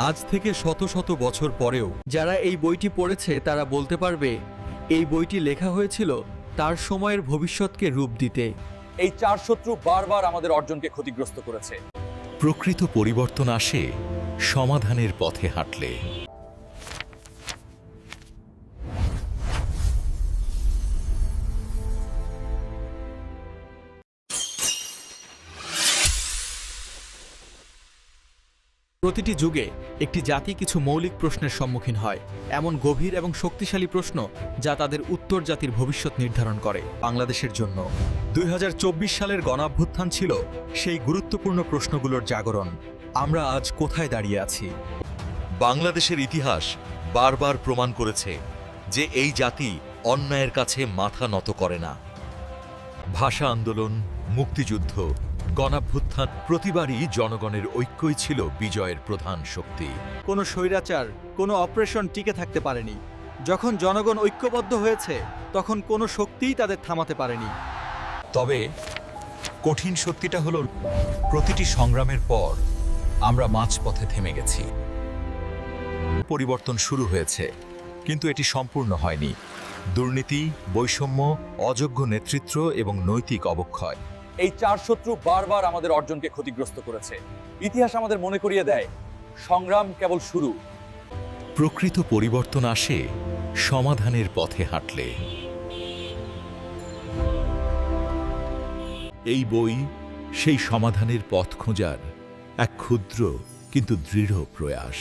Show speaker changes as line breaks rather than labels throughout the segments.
আজ থেকে শত শত বছর পরেও যারা এই বইটি পড়েছে তারা বলতে পারবে এই বইটি লেখা হয়েছিল তার সময়ের ভবিষ্যৎকে রূপ দিতে।
এই চার শত্রু বারবার আমাদের অর্জনকে ক্ষতিগ্রস্ত করেছে।
প্রকৃত পরিবর্তন আসে সমাধানের পথে হাঁটলে।
প্রতিটি যুগে একটি জাতি কিছু মৌলিক প্রশ্নের সম্মুখীন হয়, এমন গভীর এবং শক্তিশালী প্রশ্ন যা তাদের উত্তর জাতির ভবিষ্যৎ নির্ধারণ করে। বাংলাদেশের জন্য 2024 সালের গণঅভ্যুত্থান ছিল সেই গুরুত্বপূর্ণ প্রশ্নগুলোর জাগরণ। আমরা আজ কোথায় দাঁড়িয়ে আছি?
বাংলাদেশের ইতিহাস বারবার প্রমাণ করেছে যে এই জাতি অন্যায়ের কাছে মাথা নত করে না। ভাষা আন্দোলন, মুক্তিযুদ্ধ, গণঅভ্যুত্থান, প্রতিবারই জনগণের ঐক্যই ছিল বিজয়ের প্রধান শক্তি।
কোনো স্বৈরাচার, কোনো অপারেশন টিকে থাকতে পারেনি। যখন জনগণ ঐক্যবদ্ধ হয়েছে তখন কোনো শক্তিই তাদের থামাতে পারেনি।
তবে কঠিন সত্যিটা হলো, প্রতিটি সংগ্রামের পর আমরা মাঝপথে থেমে গেছি। পরিবর্তন শুরু হয়েছে, কিন্তু এটি সম্পূর্ণ হয়নি। দুর্নীতি, বৈষম্য, অযোগ্য নেতৃত্ব এবং নৈতিক অবক্ষয়,
এই চার শত্রু বারবার আমাদের অর্জনকে ক্ষতিগ্রস্ত করেছে। ইতিহাস আমাদের মনে করিয়ে দেয়, সংগ্রাম কেবল শুরু।
প্রকৃত পরিবর্তন আসে সমাধানের পথে হাঁটলে। এই বই সেই সমাধানের পথ খোঁজার এক ক্ষুদ্র কিন্তু দৃঢ় প্রয়াস।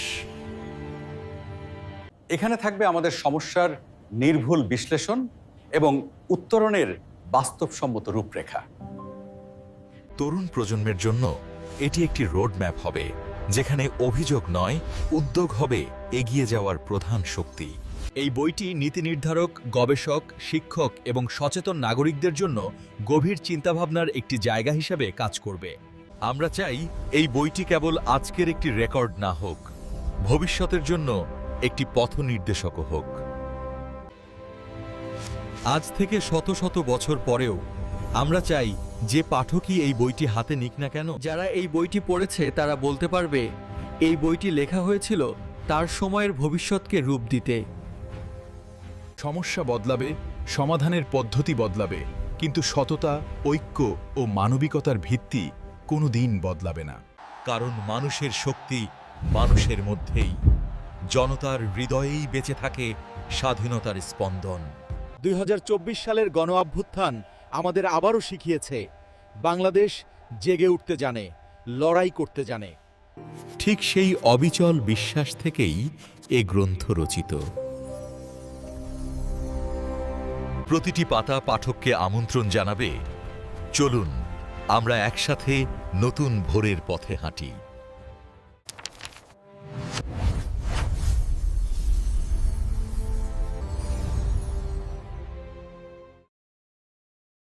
এখানে থাকবে আমাদের সমস্যার নির্ভুল বিশ্লেষণ এবং উত্তরণের বাস্তবসম্মত রূপরেখা।
তরুণ প্রজন্মের জন্য এটি একটি রোডম্যাপ হবে, যেখানে অভিযোগ নয়, উদ্যোগ হবে এগিয়ে যাওয়ার প্রধান শক্তি।
এই বইটি নীতি নির্ধারক, গবেষক, শিক্ষক এবং সচেতন নাগরিকদের জন্য গভীর চিন্তাভাবনার একটি জায়গা হিসেবে কাজ করবে।
আমরা চাই এই বইটি কেবল আজকের একটি রেকর্ড না হোক, ভবিষ্যতের জন্য একটি পথ নির্দেশকও হোক।
আজ থেকে শত শত বছর পরেও আমরা চাই যে পাঠকই এই বইটি হাতে নিক না কেন, যারা এই বইটি পড়েছে তারা বলতে পারবে এই বইটি লেখা হয়েছিল তার সময়ের ভবিষ্যৎকে রূপ দিতে।
সমস্যা বদলাবে, সমাধানের পদ্ধতি বদলাবে, কিন্তু সততা, ঐক্য ও মানবিকতার ভিত্তি কোনো দিন বদলাবে না।
কারণ মানুষের শক্তি মানুষের মধ্যেই, জনতার হৃদয়েই বেঁচে থাকে স্বাধীনতার স্পন্দন।
2024 সালের গণঅভ্যুত্থান আমাদের আবারও শিখিয়েছে বাংলাদেশ জেগে উঠতে জানে, লড়াই করতে জানে।
ঠিক সেই অবিচল বিশ্বাস থেকেই এ গ্রন্থ রচিত। প্রতিটি পাতা পাঠককে আমন্ত্রণ জানাবে, চলুন আমরা একসাথে নতুন ভোরের পথে হাঁটি।